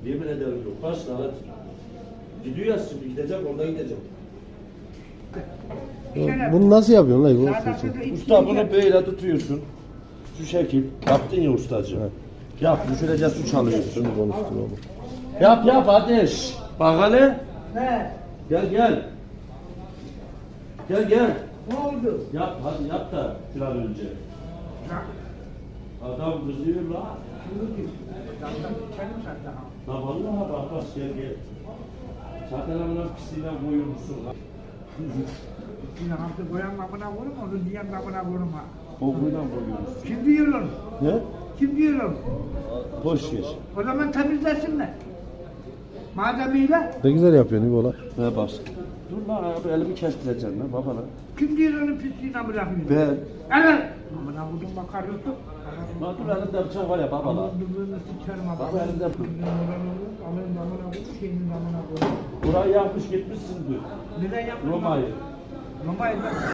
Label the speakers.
Speaker 1: Yemin ederim yok. Başla hadi. Gidiyor ya şimdi gideceğim orada gideceğim.
Speaker 2: Bunu nasıl yapıyorsun lan? Bu
Speaker 1: Usta bunu böyle tutuyorsun. Şu şekil. Yaptın ya ustacığım.
Speaker 2: Evet.
Speaker 1: Yap. Düşürece su çalıyorsun.
Speaker 2: Şimdi konuştun oğlum.
Speaker 1: Yap ateş. Bak hele.
Speaker 3: He.
Speaker 1: Gel. Gel.
Speaker 3: Ne oldu?
Speaker 1: Yap hadi yap da bir an önce. Adam kızıyor la. La vallahi bak gel. Zaten amına pisliğine koyulmuşsun la.
Speaker 3: Yine hamsi koyan kapına vurma, onu diyen kapına vurma.
Speaker 1: Kokuyla koyuyorsun.
Speaker 3: Kim diyorum?
Speaker 1: Ne?
Speaker 3: Kim diyorum?
Speaker 1: Boş ver.
Speaker 3: O zaman temizlesinler. Malzemeyle.
Speaker 2: Ne güzel yapıyorsun İbola.
Speaker 1: Ver bas. Dur lan abi elimi kestireceğim lan baba lan.
Speaker 3: Kim diyor onu pisliğine bırakmıyor?
Speaker 1: Ben.
Speaker 3: Evet. Amına vurdum bakarıyorsun.
Speaker 1: Lan dur elimde bıçak var ya baba lan.
Speaker 3: Dümdüğünü sıçarım abi.
Speaker 1: Baba elinde
Speaker 3: Alın damına vur, şeyinin damına vur.
Speaker 1: burayı yapmış gitmişsin dur.
Speaker 3: Neden yapmadın?
Speaker 1: Roma'yı.
Speaker 3: Roma'yı